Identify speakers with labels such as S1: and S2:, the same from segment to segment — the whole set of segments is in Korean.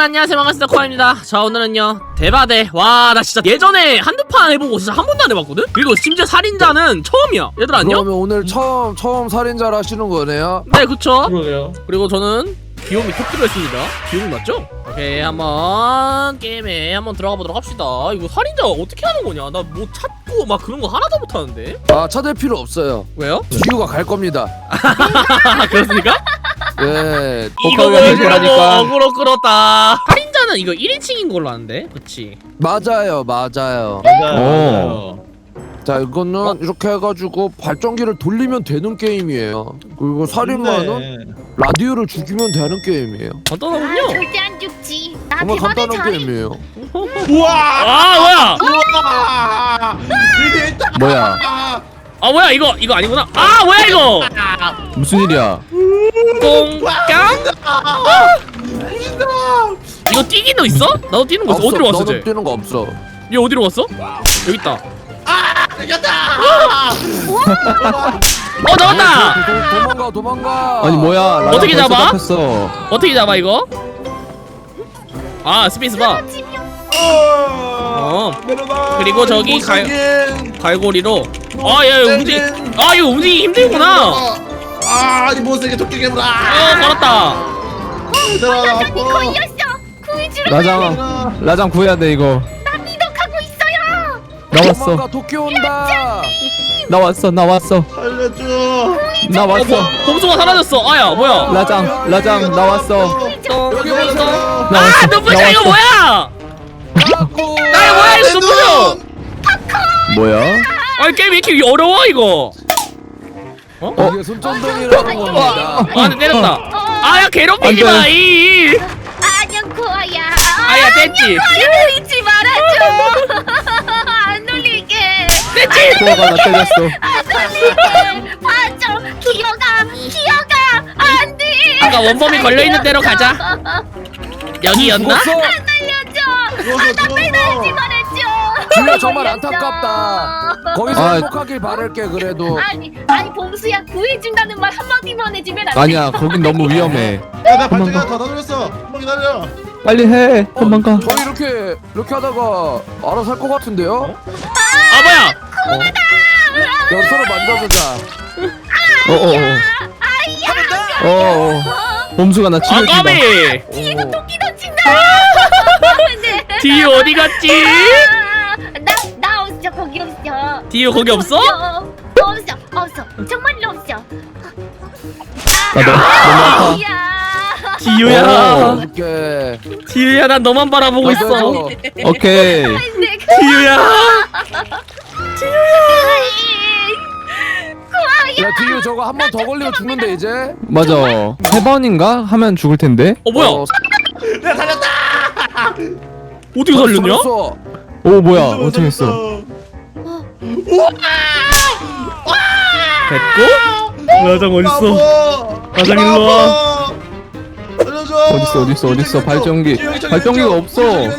S1: 안녕하세요, 반갑습니다. 코아입니다. 자, 오늘은요 대바대. 와, 나 진짜 예전에 한두 판 해보고 진짜 한 번도 안 해봤거든? 그리고 심지어 살인자는 처음이야. 얘들 안녕?
S2: 그러면 오늘 처음 살인자를 하시는 거네요?
S1: 네, 그쵸.
S3: 그러게요.
S1: 그리고 저는 귀요미 토끼로 했습니다. 귀요미 맞죠? 오케이, 한번 게임에 한번 들어가 보도록 합시다. 이거 살인자 어떻게 하는 거냐? 나 뭐 찾고 막 그런 거 하나도 못하는데?
S2: 아, 찾을 필요 없어요.
S1: 왜요?
S2: 지우가 갈 겁니다.
S1: 그렇습니까?
S2: 네.
S1: 이거 보여주려고
S3: 거라니까.
S1: 어그로 끌었다. 살인자는 이거 1인칭인 걸로 아는데? 그치?
S2: 맞아요.
S3: 맞아요.
S2: 자, 이거는 이렇게 해가지고 발전기를 돌리면 되는 게임이에요. 그리고 살인마는 라디오를 죽이면 되는 게임이에요.
S1: 간단하군요.
S4: 절대 안 죽지. 나
S2: 정말
S4: 대박의
S2: 간단한
S4: 자리.
S2: 게임이에요.
S3: 우와!
S1: 아, 뭐야?
S3: 우와! 이게 딱
S5: 뭐야?
S1: 아, 뭐야? 이거 아니구나. 아, 뭐야 이거?
S5: 무슨 일이야?
S1: 꽁깡? 이거 뛰긴 너 있어? 나도 뛰는 거 있어. 어디로 갔어,
S2: 너는
S1: 쟤?
S2: 뛰는 거 없어.
S1: 얘 어디로 갔어? 여기 있다.
S3: 이겼다!
S1: 나왔다.
S2: 도망가.
S5: 아니 뭐야? 라디오
S1: 어떻게
S5: 벌써
S1: 잡아?
S5: 잡혔어.
S1: 어떻게 잡아 이거? 아, 스페이스 바.
S3: 내려가.
S1: 그리고 저기
S3: 못생긴.
S1: 갈고리로. 아, 야, 이거 이거 움직이기 힘들구나.
S3: 이 못생긴 토끼 괴물아.
S1: 걸었다.
S3: 얘들아,
S4: 여전히 걸렸어. 구해주러
S5: 라장 구해야 돼 이거.
S4: 나 미덕하고 있어요.
S5: 나왔어.
S2: 도망가. 도끼 온다.
S5: 나왔어.
S3: 살려줘.
S5: 나왔어.
S1: 범수가 사라졌어. 아야, 뭐야?
S5: 라장 나왔어.
S2: 여기 보세요.
S1: 아, 눈부셔 이거 뭐야? 나 이거 뭐야 이거 눈부셔?
S5: 뭐야?
S1: 아니 게임 왜 이렇게 어려워 이거?
S2: 이게 손전등이라는 겁니다.
S1: 아, 근데 때렸다. 아야, 괴롭히지
S5: 안 돼.
S1: 마. 이.
S4: 안녕 코아야.
S1: 아야, 됐지.
S4: 놀리지 말아줘. 안 놀릴게.
S1: 됐지.
S5: 코아가 나 때렸어.
S4: 안 놀릴게. 봐줘. 기어가. 안 돼.
S1: 아까 원범이 걸려 있는 대로 가자. 여기였나?
S2: 죽었어.
S4: 살려줘. 나 빼달지 말았죠.
S2: 지우야, 정말 안타깝다. 거기서
S5: 아.
S2: 행복하길 바랄게. 그래도
S4: 아니 봉수야 구해준다는 말 한마디만 해주면 안 돼?
S5: 아니야, 거긴 너무 위험해.
S3: 야, 나 발전기 하나 더 돌렸어. 한번 기다려.
S5: 빨리 해. 도망가.
S2: 저희 이렇게 하다가 알아서 할 것 같은데요?
S1: 아, 뭐야?
S2: 야, 서로 만져보자.
S5: 어어. 범수가 나
S1: 아,
S5: 치료해준다.
S1: 까비.
S4: 뒤에서 토끼 던진다. 네.
S1: 디유 어디 갔지?
S4: 나 없어 거기 없어.
S1: 디유 거기 없어?
S4: 없어 정말로 없어.
S5: 너무 아파.
S4: 야.
S1: 디유야.
S2: 이렇게.
S1: 디유야, 난 너만 바라보고 있어.
S5: 오케이.
S1: 디유야.
S2: 야, 뒤에 저거 한 번 더 걸리면 죽는데 이제.
S5: 맞아. 3번인가 하면 죽을 텐데.
S1: 뭐야?
S3: 내가 살렸다.
S1: 어떻게 살렸냐?
S2: 살았어.
S5: 오 뭐야? 어떻게 했어?
S1: 됐고? 라장 어딨어? 라장 일로 와.
S3: 살려줘.
S5: 어딨어? 발전기가 없어.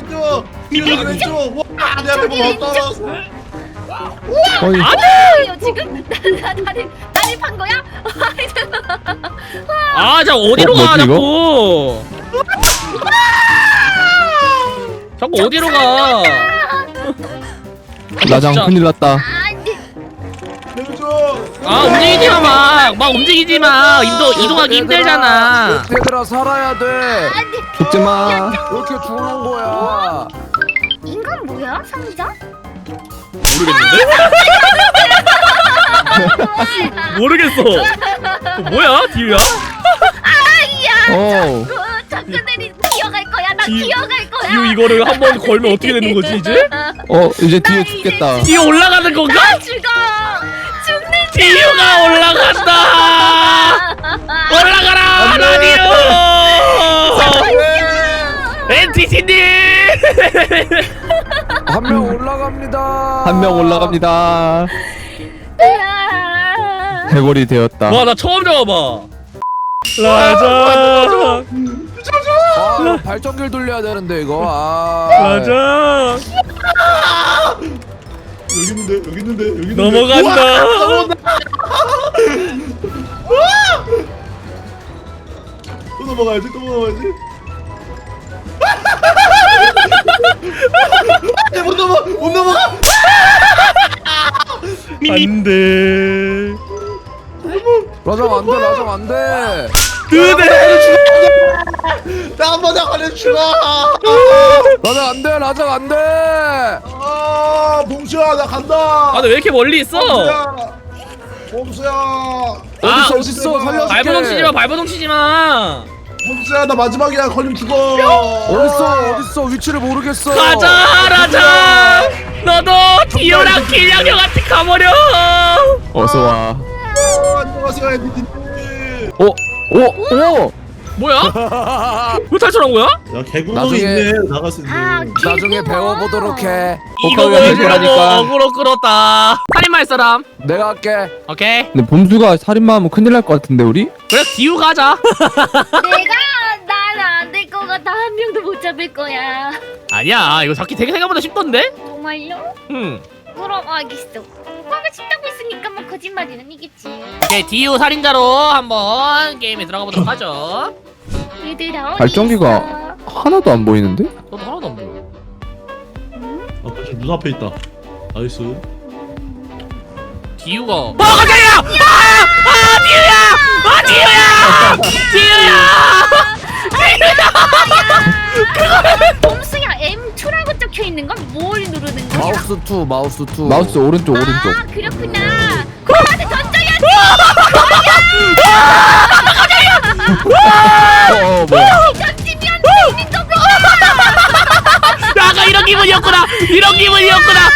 S3: 왼쪽. 와, 내 앞에 뭐 떨어졌어.
S5: 어이.
S4: 아니에요 지금 나를 판 거야?
S1: 아, 자 어디로 가
S5: 뭐지,
S1: 자꾸? 자꾸 어디로 가?
S5: 라장
S1: 진짜.
S5: 큰일 났다.
S4: 안돼.
S3: 내려줘.
S1: 아, 움직이지 마, 막 움직이지 마. 이동하기 힘들잖아.
S2: 얘들아, 살아야 돼.
S5: 죽지 마.
S2: 이렇게 죽는 거야.
S4: 인간 뭐야 상자?
S1: 모르겠어. 뭐야, 디유야?
S5: 어.
S4: 작가들이 기어갈 거야. 나
S1: 디-
S4: 기어갈 거야.
S1: 디유 이거를 한번 걸면 어떻게 되는 거지 이제?
S5: 이제 뒤에 죽겠다.
S1: 디유 올라가는 건가?
S4: 나 죽어. 죽는
S1: 디유가 올라간다. 올라가라, 라디오. NTC님.
S2: 한 명 올라갑니다.
S5: 한 명 올라갑니다. 해골이 되었다.
S1: 와, 나 처음 잡아봐. 라장.
S2: 아, 발전기를 돌려야 되는데 이거. 아.
S1: 라장.
S3: 여기 있는데.
S1: 넘어간다.
S3: 또 넘어가야지. 못 넘어 못 넘어가.
S1: 안돼.
S2: 라장 안돼 라장 안돼.
S3: 나 한 번 더 걸려 죽어.
S2: 라장 안돼 라장 안돼.
S3: 아 봉수야 나 간다.
S1: 아너 왜 이렇게 멀리 있어?
S3: 봉수야.
S2: 어딨어 어딨어 살려줄게.
S1: 발버둥 치지 마. 발버둥 치지 마.
S3: 봉수야 나 마지막이야 걸리면 죽어.
S2: 어딨어 위치를 모르겠어.
S1: 가자 라자. 너도 디오랑 길냥 형한테 가버려.
S5: 어서 와.
S3: 안녕하세요 애디님.
S5: 오.
S1: 뭐야? 왜 탈출한 거야?
S3: 야 개구멍이
S2: 나중에-
S3: 있네 나갈 수 있는.
S2: 나중에 배워보도록 해.
S1: 이거
S5: 호카가
S1: 보여주려고
S5: 해결하니까.
S1: 어그로 끌었다. 살인마 할 사람.
S2: 내가 할게.
S1: 오케이.
S5: 근데 봄수가 살인마하면 큰일 날 것 같은데 우리?
S1: 그래 디오 가자.
S4: 나는 안 될 것 같아. 한 명도 못 잡을 거야.
S1: 아니야 이거 잡기 되게 생각보다 쉽던데?
S4: 정말요?
S1: 응.
S4: 그럼 알겠어. 오빠가 쉽다고 했으니까 뭐 거짓말이 아니겠지.
S1: 오케이 디오 살인자로 한번 게임에 들어가 보도록 하죠.
S4: 얘들아 어디
S5: 발전기가
S4: 있어?
S5: 하나도 안 보이는데?
S1: 저도 하나도 안 보여.
S3: 아 벌써 눈앞에 있다. 나이스.
S1: 디오가 깜짝이야! 디오야!
S4: 범수야 M2라고 적혀 있는 건 뭘 누르는 거야?
S2: 마우스 2
S5: 마우스 오른쪽 오른쪽.
S4: 아 그렇구나. 그거한테 던져야지.
S5: 뭐야?
S4: 던지면 되는 거구나.
S1: 아까 이런 기분이었구나. 이런 기분이었구나.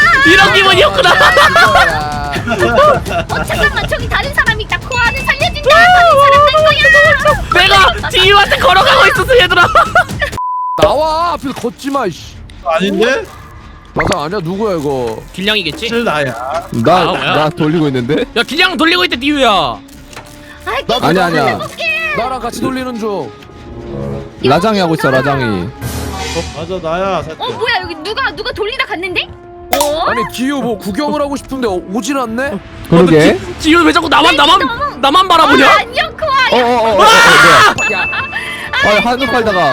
S4: 잠깐만 저기 다른 사람이 있다. 코아는 살려준다. 다른 사람 될 거야.
S1: 내가 디오한테 걸어가고 있었어 얘들아.
S2: 나와 앞에서 걷지마 이씨.
S3: 아닌데?
S2: 라장 아니야 누구야 이거.
S1: 길냥이겠지?
S3: 사실 나야.
S1: 뭐야?
S5: 나 돌리고 있는데?
S1: 야 길냥 돌리고 있대 디오야.
S5: 아니야.
S2: 나랑 같이 돌리는 중.
S5: 라장이 하고 있어 라장이.
S3: 맞아 나야. 살짝.
S4: 뭐야 여기 누가 돌리다 갔는데?
S2: 아니 디오 뭐 구경을 하고 싶은데 오질 않네.
S5: 그러게.
S1: 디오 왜 자꾸 나만 바라보냐?
S4: 안녕 코아.
S5: 뭐야? 한눈 팔다가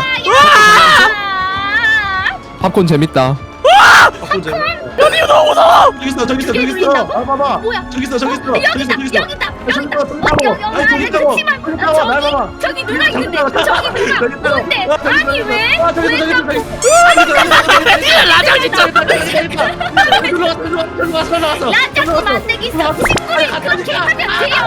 S5: 팝콘 재밌다.
S3: 저기 있어 저기 있어 저기 있어. 아 봐봐.
S4: 뭐야?
S3: 저기 있어 저기 있어 저기 있어 저기 있어.
S4: 여기다.
S3: 아니 저기 있다고.
S4: 저기 누나 있는데. 저기 누나. 뭔데? 아니 왜? 왜 자꾸?
S1: 라장 진짜.
S4: 라자꾸 만들기 있어. 친구를 그렇게 하면 돼요.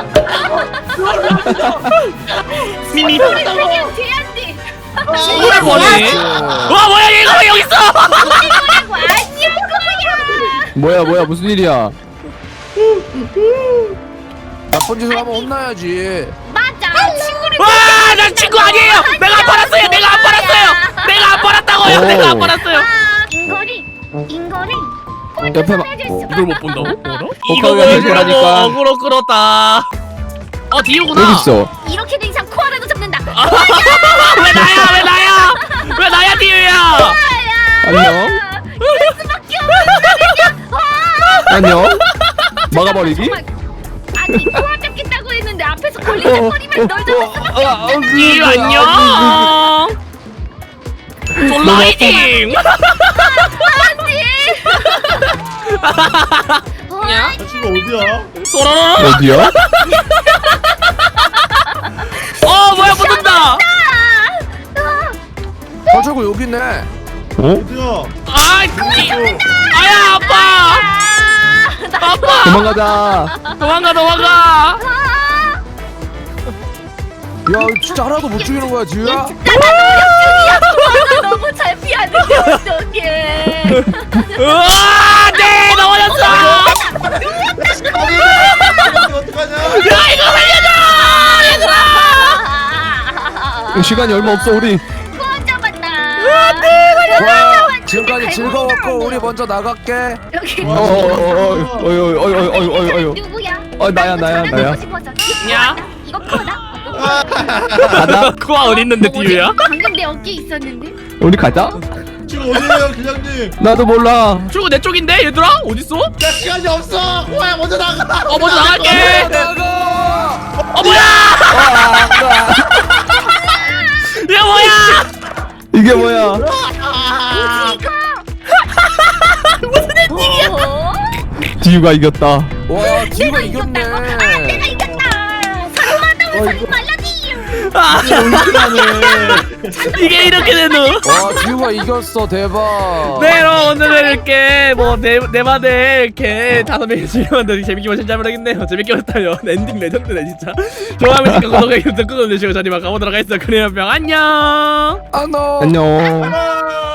S4: 친구를 하면 돼야지.
S1: 친구를 뭐니? 와 뭐야 얘가 왜 여기 있어?
S4: 친구라고 아니야 거야.
S5: 뭐야 무슨 일이야?
S2: 나쁜 짓을 하면 혼나야지.
S4: 맞아. 친구를.
S1: 와난 친구 아니에요. 내가 안 팔았어요. 내가 안 팔았다고요. 내가 안 팔았어요.
S4: 인거리.
S5: 옆에
S1: 이걸 못 본다고? 뭐라? 이거
S5: 호카가
S1: 보여주려고
S5: 해결하니까.
S1: 어그로 끌었다. 디오구나.
S5: 여기 있어.
S4: 이렇게 된 이상 코아라도 잡는다.
S1: 왜 나야 디오야?
S5: 안녕. 안녕. 막아버리기?
S4: 정말. 아니 코아 잡겠다고 했는데 앞에서 걸리적거리면 널 잡을 수밖에
S1: 디오 안녕. 솔라이딩.
S4: 없지.
S1: 야?
S3: 나 친구 어디야?
S1: 소라라.
S5: 어디야?
S1: 뭐야 붙는다.
S2: 저거 여기 있네.
S3: 어디야?
S1: 아야 아빠. 아빠.
S5: 도망가자.
S1: 도망가.
S2: 야 진짜 하나도 못 죽이는 거야 디오야?
S4: 나 노력 중이야. 코아가 너무 잘 피하는데 어떡해.
S1: 네 넘어졌어.
S3: 어떡하냐?
S1: 야 이거 살려줘 얘들아.
S5: 시간이 얼마 없어 우리.
S4: 코아 잡았다.
S2: 와 지금까지 즐거웠고 우리 먼저 나갈게.
S4: 여기
S5: 어이.
S4: 누구야?
S5: 나야.
S1: 야.
S4: 이거 코아다.
S5: 가자.
S1: 코아 어디 있는데 디오야?
S4: 방금 내 어깨에 있었는데.
S5: 우리 가자.
S3: 지금 어디에요 기장님?
S5: 나도 몰라.
S1: 출구 내 쪽인데 얘들아 어딨어?
S3: 야 시간이 없어. 코야 먼저 나가.
S1: 먼저 나갈게.
S2: 나가.
S1: 뭐야? 야 뭐야?
S5: 이게 뭐야?
S4: 뭐지 이거? 어?
S5: 지유가 이겼다.
S2: 와 지우가
S4: 이겼다.
S2: 이겼네.
S4: 아, 내가 이겼다. 살인마다고 살인 말라지.
S1: 아,
S3: 올킬하네.
S1: 이게 이렇게 되노?
S2: 와 지우가 이겼어 대박.
S1: 네, 그럼 오늘은 이렇게 네 마대 이렇게 5명이 즐겨봤는데 재밌게 보신 잘 모르겠네요. 재밌게 봤다요. 엔딩 레전드네 진짜. 좋아하면 구독하기, 구독 눌러주시고 저희 막 가보도록 하겠습니다. 그래요, 병 안녕.
S2: 안녕.
S5: 안녕.
S3: 아.